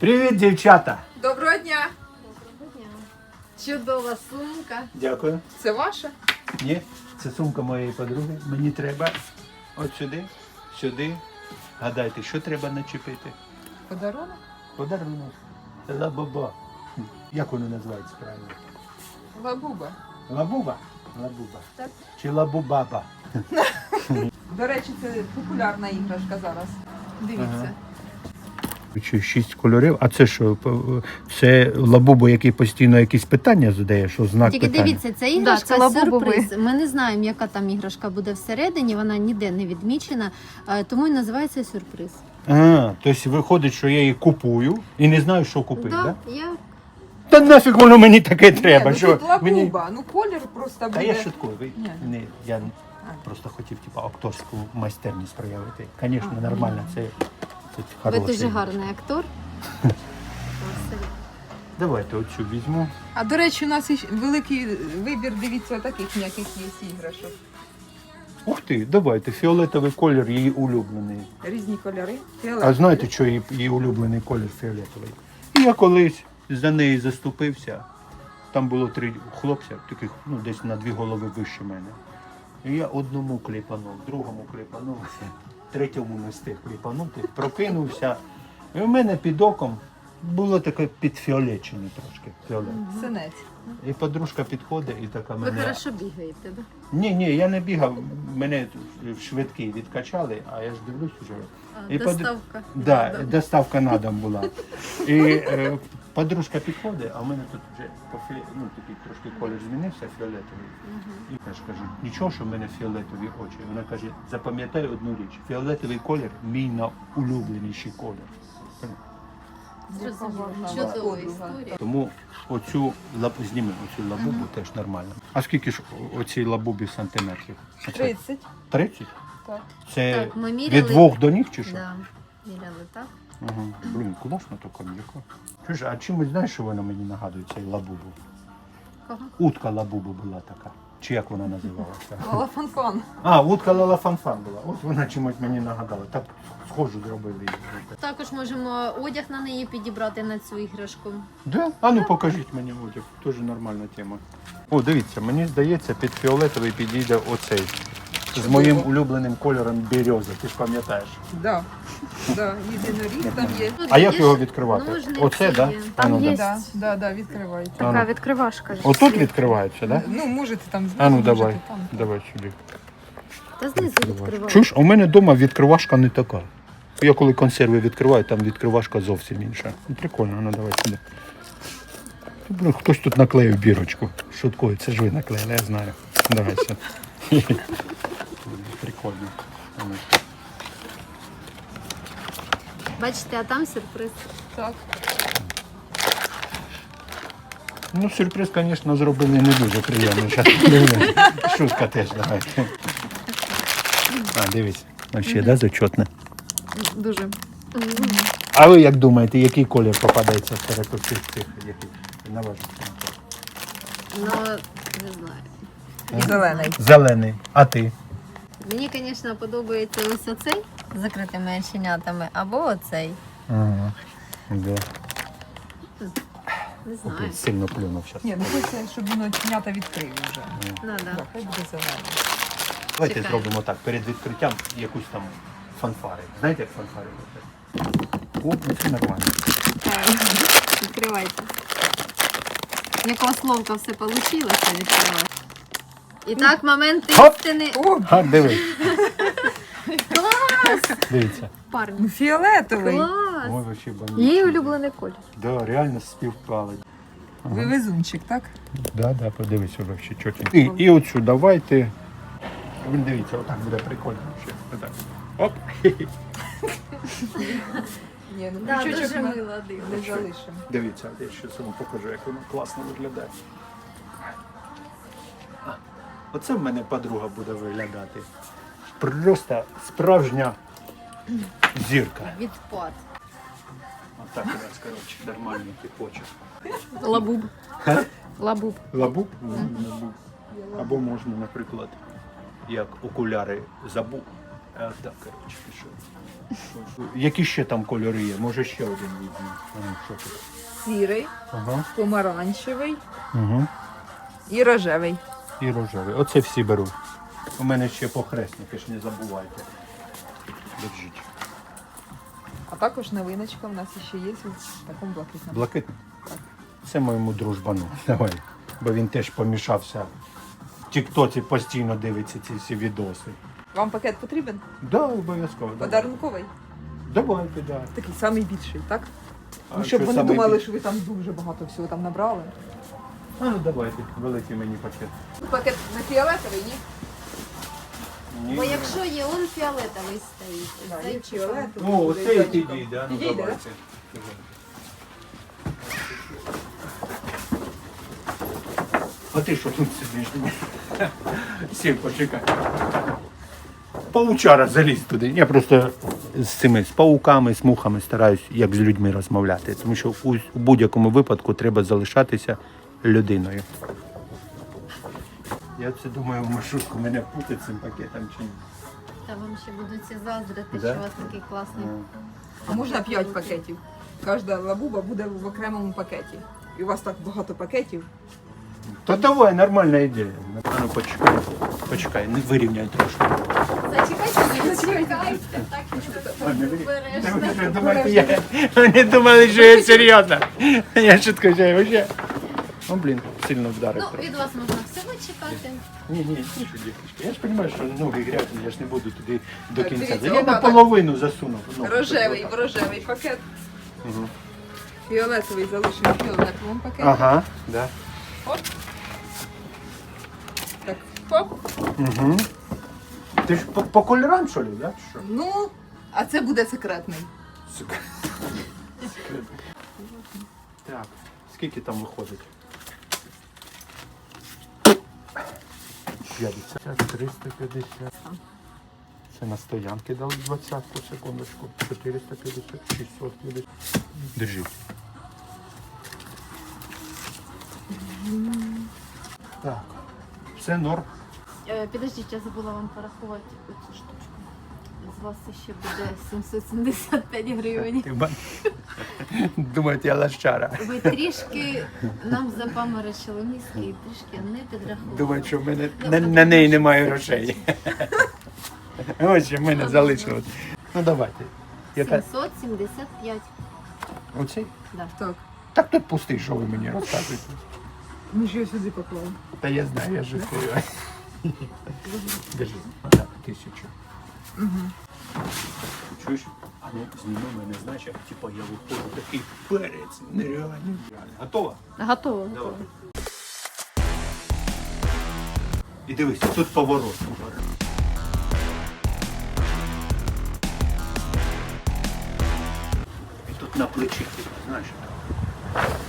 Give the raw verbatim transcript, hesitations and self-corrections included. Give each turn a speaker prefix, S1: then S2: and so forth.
S1: Привіт, дівчата!
S2: Доброго дня!
S3: Доброго дня. Чудова сумка.
S1: Дякую.
S2: Це ваша?
S1: Ні, це сумка моєї подруги. Мені треба от сюди, сюди. Гадайте, що треба начепити?
S2: Подарунок?
S1: Подарунок. Лабуба. Як воно називається правильно?
S2: Лабуба.
S1: Лабуба? Лабуба.
S3: Так.
S1: Чи лабубаба?
S2: До речі, це популярна іграшка зараз. Дивіться.
S1: Ага. Чи шість кольорів, а це що? Це лабубу, який постійно якісь питання задає, що знак
S3: Тільки
S1: питання?
S3: дивіться, це іграшка
S2: це лабубовий.
S3: сюрприз. Ми не знаємо, яка там іграшка буде всередині, вона ніде не відмічена, е, тому і називається сюрприз.
S1: А, тобто виходить, що я її купую і не знаю, що купити,
S3: Да,
S1: так?
S3: я...
S1: Та нафіг воно мені таке треба,
S2: Ні, ну
S1: що
S2: тут лабуба,
S1: мені...
S2: ну колір просто буде.
S1: Та я шуткую, ви...
S2: Ні.
S1: не, я просто хотів типу, акторську майстерність проявити. Звісно, нормально, це, це
S3: Ви
S1: хороший.
S3: дуже гарний актор.
S1: Давайте оцю візьму.
S2: А до речі, у нас іще великий вибір, дивіться, таких ніяких є іграшок.
S1: Ух ти, давайте, фіолетовий колір її улюблений.
S2: Різні кольори.
S1: А
S2: Фіолетовий.
S1: знаєте, що її, її улюблений колір фіолетовий? І я колись за неї заступився. Там було три хлопця, таких ну, десь на дві голови вище мене. І я одному кліпанув, другому кліпанув, третьому не встиг кліпанути, прокинувся. І в мене під оком було таке підфіолечене трошки. Фіолет.
S2: Синець.
S1: І подружка підходить і така
S3: Ви
S1: мене...
S3: хорошо бігаєте, так?
S1: Ні, ні, я не бігав, мене в швидкий відкачали, а я ж дивлюсь уже.
S3: Да?
S1: І под-
S3: Доставка.
S1: Да,
S3: Да.
S1: доставка на дом була. І е, подружка підходить, а в мене тут вже по фі... ну, такий трошки колір змінився, фіолетовий. І я ж кажу, нічого, що в мене фіолетові очі. Вона каже, запам'ятай одну річ, фіолетовий колір мій найулюбленіший колір.
S3: Зрозуміло.
S2: Яка
S3: Чудова
S2: подруга.
S3: історія.
S1: Тому оцю лабу, зніми оцю лабубу теж нормально. А скільки ж оцій лабубі сантиметрів? Оце
S2: тридцять.
S1: тридцять?
S2: Так.
S1: Це
S3: Так, ми міряли.
S1: від двох до ніг чи що?
S3: Да. Міряли, так?
S1: Ага. Блін, класно така м'яка. Чуєш, а чимось знаєш, що вона мені нагадує цей лабубу?
S3: Кого?
S1: Утка лабубу була така. Чи як вона називалася?
S2: Лалафанфан.
S1: А, утка лалафанфан була. От вона чимось мені нагадала. Так схожу зробили її.
S3: Також можемо одяг на неї підібрати на цю іграшку.
S1: Да? А ну покажіть мені одяг. Теж нормальна тема. О, дивіться, мені здається, під фіолетовий підійде оцей. З моїм улюбленим кольором бірьоза, ти ж пам'ятаєш.
S2: Да. Да. Єдиноріг там є.
S3: Тут
S1: А як
S3: є
S1: його
S3: ж
S1: відкривати?
S3: ножниці
S1: Оце, так? Да?
S3: є.
S1: А ну,
S4: Там є.
S1: да.
S2: Да, да, да, відкривається.
S1: А ну.
S4: Така відкривашка.
S1: Отут відкривається, так? Да?
S2: Ну, можете там
S1: А ну
S2: можете
S1: давай,
S2: там.
S1: давай сюди.
S3: Та знизу відкриваю.
S1: Чуєш, у мене вдома відкривашка не така. Я коли консерви відкриваю, там відкривашка зовсім інша. Ну, прикольно, ну давай сюди. Блин, хтось тут наклеїв бірочку. Шуткою, це ж ви наклеїли, я знаю. Давай сюди. Прикольно. Ну.
S3: Бачите, а там сюрприз.
S2: Так.
S1: Ну, сюрприз, звісно, зроблений не дуже приємно. Щас, шутка теж, давайте. А, дивись. Вообще, да, зачетне.
S2: Дуже.
S1: А ви як думаєте, який колір попадається серед цих цих, яких на ваш смак?
S3: Ну, не знаю.
S2: Зелений.
S1: Зелений. А ти?
S3: Мені, звісно, подобається ось оцей з закритими оченятами, або оцей.
S1: Ага. Да.
S3: Не знаю.
S1: Окей, сильно плюнув зараз.
S2: Ні, ну хочеться, щоб воно чинята відкрив вже.
S3: Ну, да.
S2: Так, хай буде зелений.
S1: Давайте
S3: Чекаємо.
S1: зробимо так, перед відкриттям якусь там фанфари. Знаєте, як фанфари роблять? О, ну це нормально.
S3: Відкривайте. Якого словка все вийшло, відкривати. І так, момент
S1: Хоп!
S3: істини.
S2: О,
S1: А, дивись.
S3: Клас!
S1: Дивіться.
S3: Парні.
S2: ну фіолетовий.
S3: Клас!
S1: Ой, вообще бомбічно.
S4: Її улюблений колір.
S1: Да, реально співпали.
S2: Ви везунчик, так?
S1: Да, да, подивись, вообще чотенько. І, і оцю давайте. Ви дивіться, отак буде прикольно. Ще. Отак. Оп.
S2: Ні, ну
S3: Да,
S2: крючочок
S3: дуже
S2: ми
S3: мило
S2: не
S3: дивно.
S2: залишимо.
S1: Дивіться, я ще вам покажу, як воно класно виглядає. А, оце в мене подруга буде виглядати. Просто справжня зірка.
S3: Відпад.
S1: Отак у нас, коротше, нормально ти хочеш.
S4: Лабуб. Лабуб.
S1: Лабуб? Лабуб. Або можна, наприклад, як окуляри забув, А, так, коротше, пішов. Які ще там кольори є? Може ще один візьму. А, що тут?
S2: Сірий,
S1: Ага.
S2: помаранчевий
S1: Угу.
S2: і рожевий.
S1: І рожевий. Оце всі беру. У мене ще похресники, ж не забувайте. Держіть.
S2: А також новиночка в нас ще є в такому блакитному.
S1: Блакитний? Це моєму дружбану. Давай. Бо він теж помішався. В Тіктоці постійно дивиться ці всі відоси.
S2: Вам пакет потрібен?
S1: Да, обов'язково. давай.
S2: Подарунковий?
S1: Давайте, да.
S2: Такий самий більший, так?
S1: А
S2: Ну, щоб
S1: що
S2: вони
S1: саме
S2: думали,
S1: більше?
S2: що ви там дуже багато всього там набрали.
S1: А ну давайте, великий мені пакет.
S2: Пакет не фіолетовий, ні?
S1: Ні.
S3: Бо якщо є, он фіолетовий стоїть.
S2: Да,
S3: Цей
S2: є
S3: чи
S2: фіолетовий.
S1: О,
S2: буде
S1: оце і
S2: зайчиком.
S1: підійде, ну
S2: Підійде,
S1: давайте. А ти що тут сидиш? Сів, почекай. Паучара заліз туди. Я просто з цими з пауками, з мухами стараюсь, як з людьми розмовляти. Тому що у, у будь-якому випадку треба залишатися людиною. Я це думаю, в маршрутку мене путать цим пакетом чи ні.
S3: Та вам ще будуть всі заздрити,
S1: Да?
S3: що у вас такий класний.
S2: А можна п'ять пакетів. Кожна лабуба буде в окремому пакеті. І у вас так багато пакетів.
S1: Та давай, нормальна ідея. А ну почекай, почекай, не вирівняй трошки.
S3: Зачекайте, зачекайте. Так
S1: Ладно,
S3: що
S1: ви-
S3: береш.
S1: ви що думаєте, я- Вони думали, що я серйозно. Я шутку, що я вообще. Ну, блін, сильно вдарив.
S3: Ну, від вас можна всього чекати.
S1: Ні, ні, тише, дівчатки. Я ж розумію, що ноги грязні, я ж не буду туди до
S2: Так,
S1: кінця.
S2: дивіться,
S1: Я
S2: отак.
S1: наполовину засунув. ноги.
S2: Рожевий, в рожевий пакет.
S1: Мгм.
S2: Фіолетовий залишимо в фіолетовому пакеті.
S1: Ага, да.
S2: Оп. Так, хоп.
S1: Угу. Ти ж по, по кольорам, що ли, да? чи Що?
S2: Ну, а це буде секретний.
S1: Сука. Так, скільки там виходить? п'ятдесят, триста п'ятдесят. Це на стоянки дали двадцятку, секундочку. чотириста п'ятдесят, шістсот п'ятдесят. Держіть. Так, все норм.
S3: Е, Підождіть, я забула вам порахувати оцю штучку. З вас ще буде сімсот сімдесят п'ять гривень.
S1: Ти ба- Думаєте, я лащара.
S3: Ви трішки нам запаморочили мізки і трішки не підрахували.
S1: Думають, що в мене на, на неї немає грошей. Ось що в мене залишилось. Ну давайте. Яка?
S3: сімсот сімдесят п'ять.
S1: Оцей?
S3: Да.
S2: Так.
S1: Так тут пустий, що ви мені розказуєте.
S2: Ми ж його сюди поклали.
S1: Та я знаю, я жартую. Держи. Так, тисячу. Чуєш? А ну, зніми мене, знаєш, як типа я виходжу такий перець, нереальний. Готова?
S4: Готово.
S1: Давай. І дивись, тут поворот. І тут на плечі, знаєш.